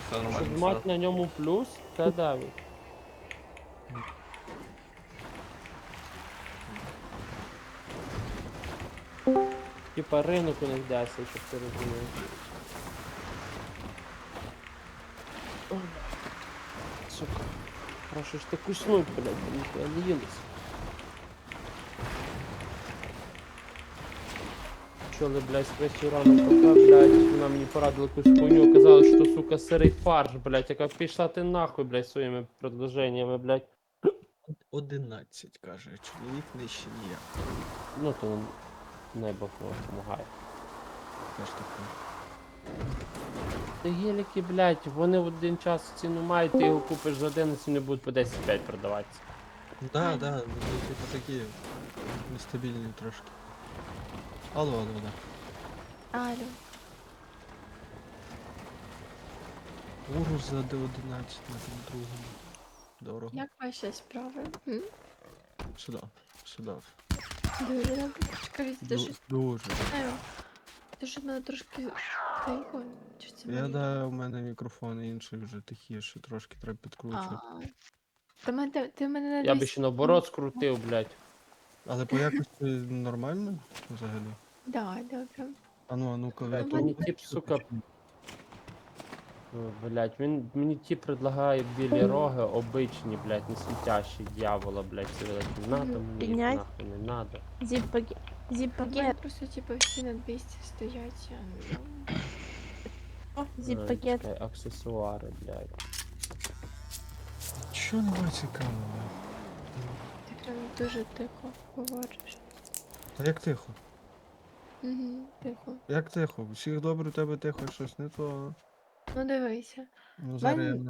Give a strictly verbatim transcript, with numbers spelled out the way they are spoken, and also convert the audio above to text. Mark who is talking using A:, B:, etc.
A: Все
B: Щоб
A: нормально.
B: мати
A: Все.
B: на ньому плюс, це дев'ять. Типа ринок у них десять, щоб ти розумів. Ой, сука. Прошу ж ти куснуть, блядь, ніхуя не їлись. Чули, блядь, з третій ранок кафе, блядь, вона мені порадила якусь хуйню, казала, що, сука, сирий фарш, блядь, яка пішла ти нахуй, блядь, своїми предложеннями, блядь.
C: Одинадцять, каже, чоловік нижче ніяк.
B: Ну, то небо допомагає.
C: Теж таке.
B: Та геліки, блядь, вони в один час ціну мають, ти його купиш за одинадцять, вони будуть по десять п'ять продаватися.
C: Да, да, вони типу такі нестабільні трошки. Алло, алло, да.
D: Алло.
C: Урус за Д одинадцять на тому другому. Дорого.
D: Як ваші справи? М?
C: Сюди, сюди.
D: Дуже добре. Скажіть, ти
C: Ду-
D: щось
C: Дуже.
D: знаю. Ти що в мене трошки тихо? Чи це
C: Я
D: мені?
C: да, у мене мікрофон інший вже тихіше, трошки треба
D: А.
C: підкручувати.
D: Ти мене, ти мене на
B: Я би
D: двісті
B: ще наоборот скрутив, блядь.
C: Але по якості нормально взагалі?
D: Да, добре.
C: А ну, а ну-ка,
D: Ну,
C: ви
B: Мені
C: тут-
B: тип, сука, ну, блядь, він мені ті предлагає білі роги, обичні, блядь, не світящі, дьявола, блядь, це блядь, надо
D: Мгм.
B: мені, їх
E: Піднять?
B: нахуй не надо.
E: Зіп-пакет.
D: У мене
E: Зіп-пакет.
D: просто типу всі на двісті стоять. Я не знаю.
E: О,
B: Ай,
E: зіп-пакет.
B: чекай, аксесуари, блядь.
C: Що немає цікавого?
D: Ти прям дуже тихо говориш.
C: Та як тихо?
D: Угу, тихо.
C: Як тихо? Всіх добре, у тебе тихо, щось не то.
D: Ну дивися.
C: Ну зараз я
D: Мене-